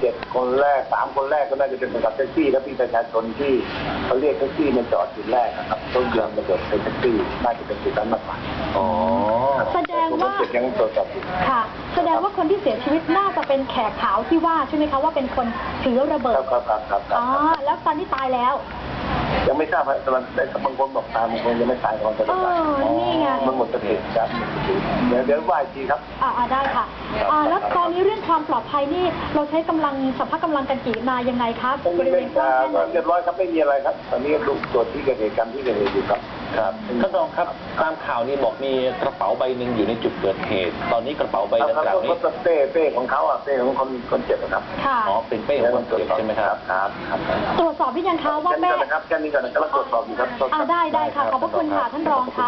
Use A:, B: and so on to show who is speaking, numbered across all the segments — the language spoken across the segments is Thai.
A: 7 คนแรก3 คนแรกก็น่าจะเป็นคนขับแท็กซี่และพี่ประชาชนที่เขาเรียกแท็กซี่มาจอดจุดแรกนะครับต้องเดินมาจอดเป็นแท็กซี่น่าจะเป็นจุดนั้นมากกว่า
B: อ๋อ
C: แสดงว่า
A: ยังตรวจสอบอยู่
C: ค่ะแสดงว่าคนที่เสียชีวิตน่าจะเป็นแขกขาวที่ว่าใช่ไหมคะว่าเป็นคนถือระเบิด
A: ครับ
C: อ๋อแล้วตอนนี้ตายแล้ว
A: ยังไม่ทราบครับแต่บางคนบอกตายบางคนยังไม่ตายตอนจะตาย
C: นี่ไง
A: มันหมดสติครับเดี๋ยวว่าอีกทีครับ
C: ได้ค่ะแล้วตอนนี้เรื่องความปลอดภัยนี่เราใช้กำลังสัพพะกำลังกันกี่นายยังไงครับบริเวณกว้างแค่ไหน
A: เรียบร้อยครับไม่มีอะไรครับตอนนี้ดูตรวจที่เกิดเหตุการณ์ที่เกิดเหตุอยู่ครับ
B: ท่านรองครับตามข่าวนี้บอกมีกระเป๋าใบหนึ่งอยู่ในจุดเกิดเหตุตอนนี้กระเป๋าใบดังกล่าวนี้
A: เป้ของเขาเป้ของคนเจ็บครับ
B: อ๋อเป็นเป้ของคนเจ็บใช่ไหมครับ
A: ครับ
C: ตรวจสอบที่ยังคะว่าแม่
A: แค่นี้ก่อนนะครับตรวจสอบอยู่ครับ
C: ได้ค่ะขอบพระคุณค่ะท่านรองคะ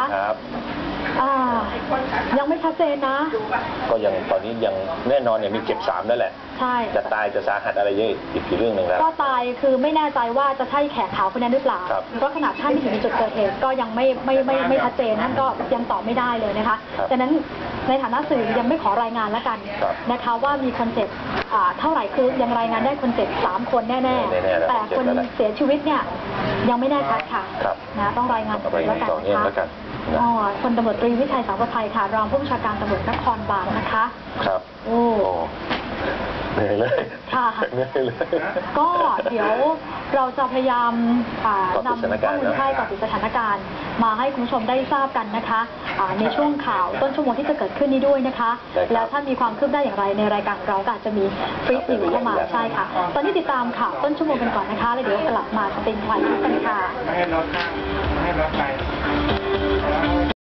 C: ยังไม่ชัดเจนนะ
B: ก็ยังตอนนี้ยังแน่นอนเนี่ยมีเจ็บ3นั่นแหละ
C: ใช่
B: จะตายจะสาหัสอะไรเยอะอีกเรื่องหนึ่งแล้ว
C: ก็ตายคือไม่แน่ใจว่าจะใช่แขกขาวคนนั้นหรือเปล่าเพราะขนาดท่านที่อยู่ในจุดเกิดเหตุก็ยังไม่ชัดเจนนั่นก็ยังตอบไม่ได้เลยนะคะดังนั้นในฐานะสื่อยังไม่ขอรายงานแล้วกันนะคะว่ามีคนเจ็บเท่าไหร่คือยังรายงานได้คนเจ็บ3 คนแน่ๆแต่คนเสียชีวิตเนี่ยยังไม่แน่ชัดค่ะนะต้องรายงานแล้วกันนะคะพลตำรวจตรีวิชัยสังประภัยค่ะรองผู้บัญชาการตำรวจนครบาลนะคะ
B: ครับ
C: โอ้
B: เหนื่อยเลย
C: ค่ะก็เดี๋ยวเราจะพยายามนำข้อมูลให้กับสถานการณ์มาให้คุณผู้ชมได้ทราบกันนะคะในช่วงข่าวต้นชั่วโมงที่จะเกิดขึ้นนี้ด้วยนะคะแล้วถ้ามีความคืบหน้าอย่างไรในรายการเราก็อาจจะมีฟรีนิวเข้ามาใช่ค่ะตอนนี้ติดตามข่าวต้นชั่วโมงกันก่อนนะคะแล้วเดี๋ยวกลับมาสติงไฟกันค่ะ